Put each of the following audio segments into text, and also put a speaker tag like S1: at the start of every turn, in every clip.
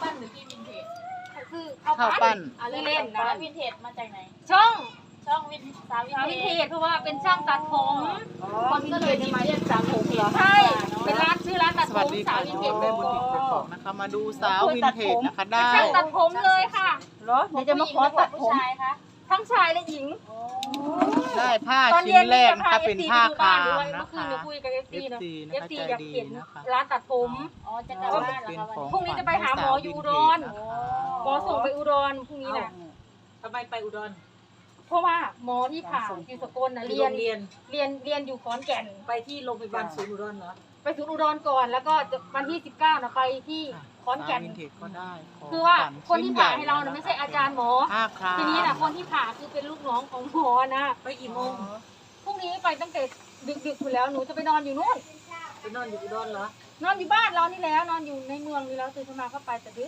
S1: ปั้นหรือพี่วินเทจ
S2: คือ
S3: ข้าวปั้น
S2: อะไรเล่นนะ
S1: แล้ววินเทจมาจากไหน
S2: ช่อง
S1: ช่องสาววิน
S2: สาว
S1: เท
S2: วินเท
S1: จ
S2: จเพราะว่าเป็นช่างตัดผม
S1: คนก็เลยมาเรียกสาววินเทจ
S2: ใช่เป็นร้านชื่อร้านตัด
S3: ส
S2: ผ
S3: วัส
S2: ม
S3: ดี
S2: สา
S3: ค่ะ
S2: ววินเทจ
S3: แม่บุญถิ่นกกอกนะคะ มาดูสาววินเทจนะคะได้
S2: ช่างตัดผมเลยค่ะ
S1: เหรอเดี๋ยวจะมาขอตัดผมชายคะ
S2: ทั้งชายและหญิง
S3: ได้ผ้า
S2: ตอน
S3: ชิ้
S2: เย็
S3: น
S2: น
S3: แร
S2: นี่
S3: ก
S2: จะ
S3: นะ
S2: พา
S3: คะ
S2: เอ
S3: เป็
S2: ฟ
S3: น
S2: ซี
S3: ผ้า
S2: ดูบ้า
S3: คาน ม
S2: ด้วย
S3: นะ
S2: เมื่อคืน
S3: คะ
S2: เราคุยกับเอฟซีเนาะ
S3: FC
S2: เอฟซี
S3: นะคะ
S2: อยากเห็น
S3: ใจดีนะคะ
S2: ร้านตัดผม
S1: อ๋อจะกลับบ้านเหรอคะวันนี้
S2: พรุ่งนี้จะไปหาหมออยู่อุดร หมอส่งไปอุดรพรุ่งนี้น่ะ
S4: ทำไมไปอุดร
S2: เพราะว่าหมอที่ผ่าอยู่สกลน่ะเรียน
S4: เรียน
S2: เรียนอยู่ขอนแก่น
S4: ไปที่โรงพยาบาลศูนย์อุดรเหรอ
S2: ไปศูนย์อุดรก่อนแล้วก็วันที่19นะไปที่ขอนแก่น
S3: สาววินเทจก็ได้
S2: คือว่า
S3: ขง
S2: คนที่
S3: ชิ้
S2: ผ่า
S3: ญ่
S2: ให้เรานะไม่ใช่อาจารย์หมอ
S3: ผ้าคราม
S2: ทีนี้นะคนที่ผ่าคือเป็นลูกน้องของหมอนะ
S4: ไปกี่โมง
S2: พรุ่งนี้ไปตั้งแต่ดึกๆอยู่แล้วหนูจะไปนอนอยู่นู่น
S4: ไปนอนอยู่อุดรเหรอ
S2: นอนอยู่บ้านเรานี่แล้วนอนอยู่ในเมืองนี่แล้วตื่นขึ้นมาก็ไปแต่ดึก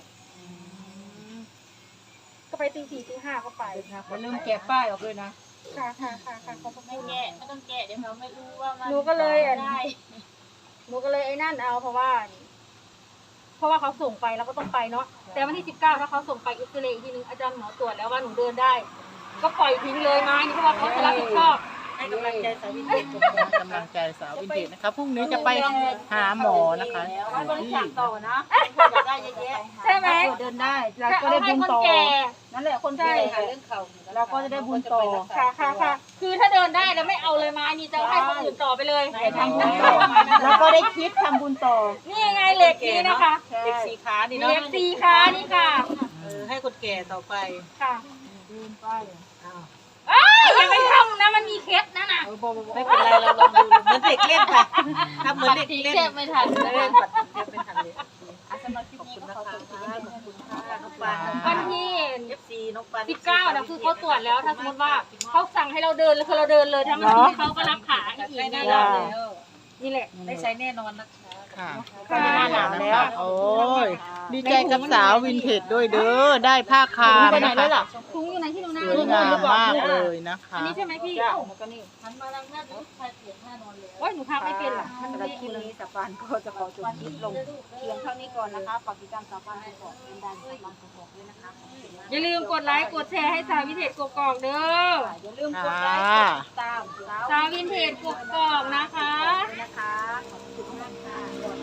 S2: ก็ไปตี 4 ตี 5ก็ไป
S4: อย่าลืมแกะป้ายออกด้วยนะ
S2: ค่ะขอบคุณ
S1: ไม่แกะไม่ต้องแกะเดี๋ยวเขาไม่รู้ว่ามัน
S2: หนูก็เลย
S1: ได้
S2: หนูก็เลยไอ้นั่นเอาเพราะว่าเขาส่งไปแล้วก็ต้องไปเนาะแต่วันที่19ถ้าเขาส่งไปอิสราเอลอีกทีนึงอาจารย์หมอตรวจแล้วว่าหนูเดินได้ ก็ปล่อยทิ้งเลยไม้นี่เพราะว่าเขาจะรับผิดชอบ
S4: ให้กำลังใจสาวินเทจ
S3: กำลังใจสาววินเทจนะคะพรุ่งนี้จะไปหาหมอนะคะ
S4: ไว้บริจาคต่อนะคนอยากได้เยอะแยะ
S2: ใช่ไหม
S4: เดินได้เรา
S2: ถ้า
S4: ก็
S2: เอา
S4: ได้
S2: ให้
S4: บุญ
S2: คน
S4: ต่อ
S2: แก่
S4: นั่นแหละคนแก่เรื่องเข่าเราก็จะได้บุญต่อ
S2: ค่ะคือถ้าเดินได้แล้วไม่เอาเลยไม้นี่จะให้คนอื่นต่อไปเลย
S4: ทำบุญต่อแล้วก็ได้คิดทำบุญต่อ
S2: นี่ไงเหล็กนี่นะคะ
S4: เด็กสีขานี่
S2: เห
S4: เนาะ
S2: ล็กสีขานี่ค่ะ
S4: ให้คนแก่ต่อไป
S2: ค่ะ
S4: อ้าว
S2: เอ้ยอย่าไปทำนะมันมีเคล็ดนะน่ะ
S4: ไม่เป็นไรเราลองดูเหมือนเด็กเล่นค่ะทำเหมือนเด็กเล่น
S1: แกะไม่ทัน
S4: เล่นปัดเทปไม่ทันเลย
S1: สำหรับคลิปนี้ก็ขอจบ
S4: ขอบคุณค่ะน้องปาน
S2: วันที่
S4: FC น้องปาน
S2: 19นะคือเขาตรวจแล้วถ้าสมมติว่าเขาสั่งให้เราเดินแล้วคือเราเดินเลยทั้งที่เขาก็รับขาอีก
S4: ได้แน่
S2: นี่
S4: น
S2: แห
S4: อ
S2: ละ
S4: นแล้ว
S2: นี่แหละ
S4: ได้ใช้แน่นอนนะคะ
S3: ค่ะ
S2: ค่ะ
S3: หน้าหนาวแล้วโอ้ยดีใจกับสาววินเทจด้วยเด้อได้ผ้าคามนะคะ
S2: ถุงอยู่ไหนที่หนูนา
S3: สวยงามมากเลยนะคะ
S2: อันนี้ใช่ไหมพี่
S1: หันมาทางหน้าดูใครเปลี่ยนหน้านอนเลย
S2: โอ้ยหนูพักไม่เป็นหรอกมัน
S4: สำหรับ
S2: ไม่
S4: คลิปนี้สปานก็จะขอจบคลิปลงเพียงเท่านี้ก่อนนะคะฝากติดตามสปานกอกเป็นดันสปานกอกด้วยนะคะ
S2: อย่าลืมกดไลค์กดแชร์ให้สาววินเทจกกอกเด้อ
S4: อย่าลืมกดไลค์กดติดตาม
S2: สาววินเทจกกอกนะคะ
S4: ด้วยนะคะขอบคุณมากค่ะ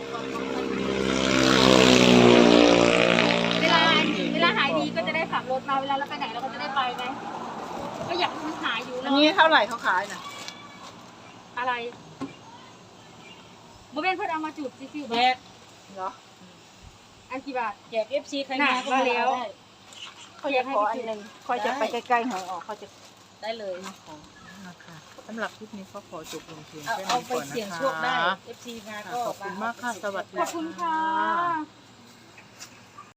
S2: เวลาหายดีก็จะได้ขับรถมาเวลาเราไปไหนเราก็จะได้ไปไงก็อยากให้มันหายอยู่
S3: อัน
S2: เนาะ
S3: นี้เท่าไหร่เขาขายน่ะ
S2: อะไรโมเมนเพื่อนเอามาจุดซิซิว
S4: แจก
S3: เหรอ
S2: อันกี่บาท
S4: แจก FC ใครมาก็มาแล้ว
S2: เขาอยากให้พี่จุด
S4: คอยจะไปใกล้ๆหอยออกเขาจะได้เลย
S3: นะคะสำหรับคลิปนี้ก็ขอจบลงเพียงแค่
S4: เอา
S3: นี้
S4: ไป
S3: ก่อน
S4: เสี่ยง
S3: นะ
S4: โชคได้
S3: คะ
S4: FC มา
S3: ค่ะ
S4: ก็
S3: ขอบคุณมากค่ะ สวัสดี
S2: ขอบคุณค่ะ
S3: ค่ะ